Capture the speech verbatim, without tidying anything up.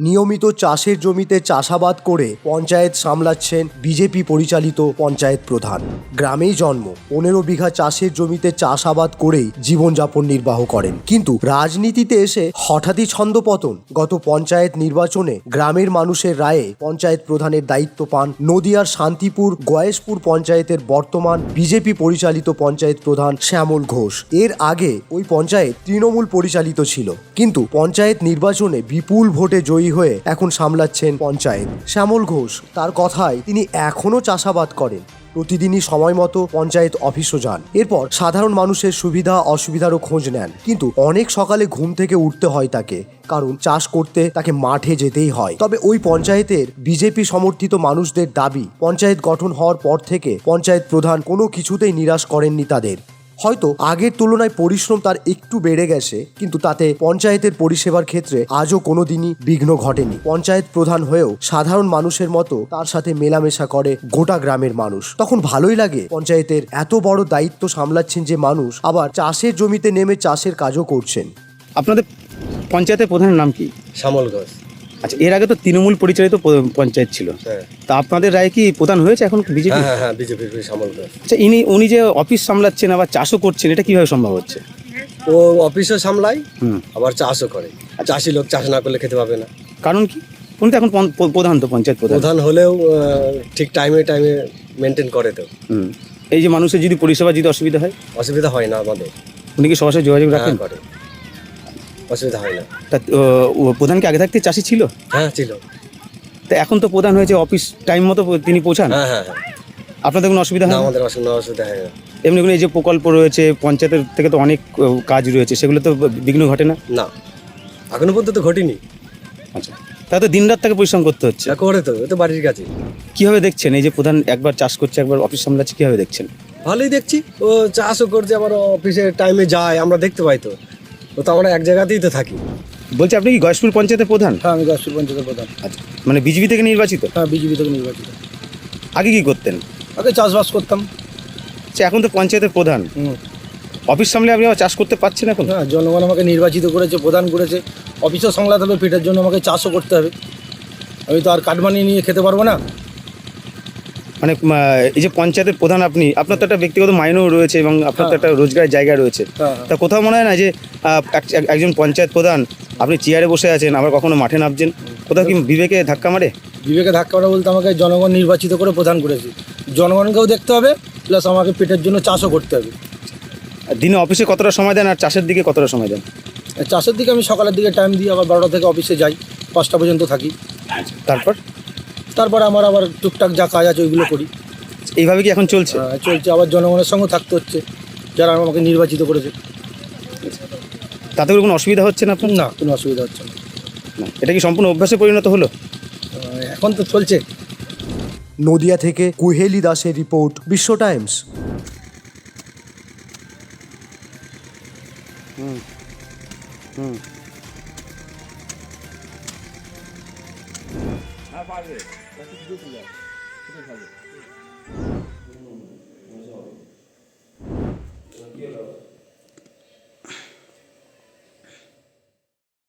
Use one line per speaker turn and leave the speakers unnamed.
নিয়মিত চাষের জমিতে চাষাবাদ করে পঞ্চায়েত সামলাচ্ছেন বিজেপি পরিচালিত পঞ্চায়েত প্রধান। গ্রামেই জন্ম, পনেরো বিঘা চাষের জমিতে চাষাবাদ করেই জীবনযাপন নির্বাহ করেন। কিন্তু রাজনীতিতে এসে হঠাৎই ছন্দপতন। গত পঞ্চায়েত নির্বাচনে গ্রামের মানুষের রায়ে পঞ্চায়েত প্রধানের দায়িত্ব পান নদিয়ার শান্তিপুর গয়েশপুর পঞ্চায়েতের বর্তমান বিজেপি পরিচালিত পঞ্চায়েত প্রধান শ্যামল ঘোষ। এর আগে ওই পঞ্চায়েত তৃণমূল পরিচালিত ছিল, কিন্তু পঞ্চায়েত নির্বাচনে বিপুল ভোটে জয়ী হয়ে এখন সামলাচ্ছেন পঞ্চায়েত। শ্যামল ঘোষ তার কথায় তিনি এখনো চাষাবাদ করেন, প্রতিদিনই সময় মতো পঞ্চায়েত অফিসও যান। এরপর সাধারণ মানুষের সুবিধা অসুবিধারও খোঁজ নেন। কিন্তু অনেক সকালে ঘুম থেকে উঠতে হয় তাকে, কারণ চাষ করতে তাকে মাঠে যেতেই হয়। তবে ওই পঞ্চায়েতের বিজেপি সমর্থিত মানুষদের দাবি, পঞ্চায়েত গঠন হওয়ার পর থেকে পঞ্চায়েত প্রধান কোনো কিছুতেই নিরাশ করেননি তাদের। হয়তো আগের তুলনায় পরিশ্রম তার একটু বেড়ে গেছে, কিন্তু তাতে পঞ্চায়েতের পরিষেবার ক্ষেত্রে আজও কোনো দিনই বিঘ্ন ঘটেনি। পঞ্চায়েত প্রধান হয়েও সাধারণ মানুষের মতো তার সাথে মেলামেশা করে গোটা গ্রামের মানুষ। তখন ভালোই লাগে, পঞ্চায়েতের এত বড় দায়িত্ব সামলাচ্ছেন যে মানুষ, আবার চাষের জমিতে নেমে চাষের কাজও করছেন।
আপনাদের পঞ্চায়েতের প্রধানের নাম কি?
শ্যামল ঘোষ।
আচ্ছা, এর আগে তো তৃণমূল পরিচালিত পঞ্চায়েত ছিল,
হ্যাঁ।
তা আপনাদের রায় কি প্রধান হয়েছে এখন বিজেপি?
হ্যাঁ হ্যাঁ হ্যাঁ বিজেপির শ্যামল ঘোষ।
আচ্ছা, ইনি উনি যে অফিস সামলাচ্ছেন আবার চাষও করছেন, এটা কিভাবে সম্ভব হচ্ছে?
ও অফিসও সামলায়,
হুম
আবার চাষও করে। চাষি লোক চাষ না করলে খেতে পাবে না।
কারণ কি? উনি তো এখন পন- প্রধান, তো পঞ্চায়েত প্রধান।
প্রধান হলেও আহ, ঠিক টাইমে টাইমে মেনটেন করে তো।
হুম এই যে মানুষের যদি পরিষেবা যদি অসুবিধা হয়,
অসুবিধা হয় না আমাদের।
উনি কি সরাসরি যোগাযোগ রাখেন?
হ্যাঁ, করে, অসুবিধা হয় না।
তা আহ, ও প্রধান কি আগে থাকতে চাষি ছিল?
হ্যাঁ ছিল।
তা এখন তো প্রধান হয়েছে, অফিস টাইম মতো তিনি পৌঁছান,
হ্যাঁ হ্যাঁ হ্যাঁ
আপনাদের কোনো অসুবিধা
না,
হয় না?
আমাদের অসুবিধা অসুবিধা হয় না।
এমনি কোনো এই যে প্রকল্প রয়েছে পঞ্চায়েতের থেকে, তো অনেক আহ, কাজ রয়েছে, সেগুলো তো বিঘ্ন ঘটে না?
না, এখনো পর্যন্ত ঘটেনি।
আচ্ছা, তাহলে তো দিন রাত তাকে পরিশ্রম করতে হচ্ছে।
যা করে তো, ও তো বাড়ির কাছে।
কিভাবে দেখছেন এই যে প্রধান একবার চাষ করছে একবার অফিস সামলাচ্ছে, কিভাবে দেখছেন?
ভালোই দেখছি, ও চাষও করছে, আবার অফিসে টাইমে যায়, আমরা দেখতে পাই তো। ও তো আমরা এক জায়গাতেই তো থাকি।
বলছি, আপনি কি গয়েশপুর পঞ্চায়েতের প্রধান?
হ্যাঁ, আমি গয়েশপুর পঞ্চায়েতের প্রধান।
আচ্ছা, মানে বিজেপি থেকে নির্বাচিত?
হ্যাঁ, বিজেপি থেকে নির্বাচিত।
আগে কি করতেন?
আগে চাষবাস করতাম।
আচ্ছা, এখন তো পঞ্চায়েতের প্রধান,
হুম।
অফিস সামলে আপনি আবার চাষ করতে পারছেন এখন?
হ্যাঁ, জনগণ আমাকে নির্বাচিত করেছে, প্রধান করেছে, অফিসও সামলাতে হবে, পেটের জন্য আমাকে চাষও করতে হবে। আমি তো আর কাঠ বানিয়ে নিয়ে খেতে পারবো না।
মানে আহ, এই যে পঞ্চায়েতের প্রধান আপনি, আপনার তো একটা ব্যক্তিগত মাইনেও রয়েছে এবং আপনার তো
হ্যাঁ।
একটা রোজগারের জায়গা রয়েছে।
হ্যাঁ,
তা কোথাও মনে হয় না যে আহ, এক- এক- একজন পঞ্চায়েত প্রধান, আপনি চেয়ারে বসে আছেন আবার কখনো মাঠে নামছেন, কোথাও কি বিবেকে ধাক্কা মারে?
বিবেকে ধাক্কা মারা বলতে আমাকে জনগণ নির্বাচিত করে প্রধান করেছে, জনগণকেও দেখতে হবে, প্লাস আমাকে পেটের জন্য চাষও করতে হবে।
আর দিনে অফিসে কতটা সময় দেন আর চাষের দিকে কতটা সময় দেন?
আর চাষের দিকে আমি সকালের দিকে টাইম দিই, আবার বারোটা থেকে অফিসে যাই, পাঁচটা পর্যন্ত থাকি।
তারপর
তারপরে আমার আবার টুকটাক যা কাজ আছে ওইগুলো করি।
এইভাবে কি এখন চলছে?
আহ, চলছে, আবার জনগণের সঙ্গে থাকতে হচ্ছে, যারা আমাকে নির্বাচিত করেছে।
তাতে করে কোনো অসুবিধা হচ্ছে না আপনার?
না, কোনো অসুবিধা হচ্ছে না।
না, এটা কি সম্পূর্ণ অভ্যাসে পরিণত হলো?
আহ, এখন তো চলছে।
নদিয়া থেকে কুহেলি দাসের রিপোর্ট, বিশ্ব টাইমস।
হুম হুম হ্যাঁ, পারবে।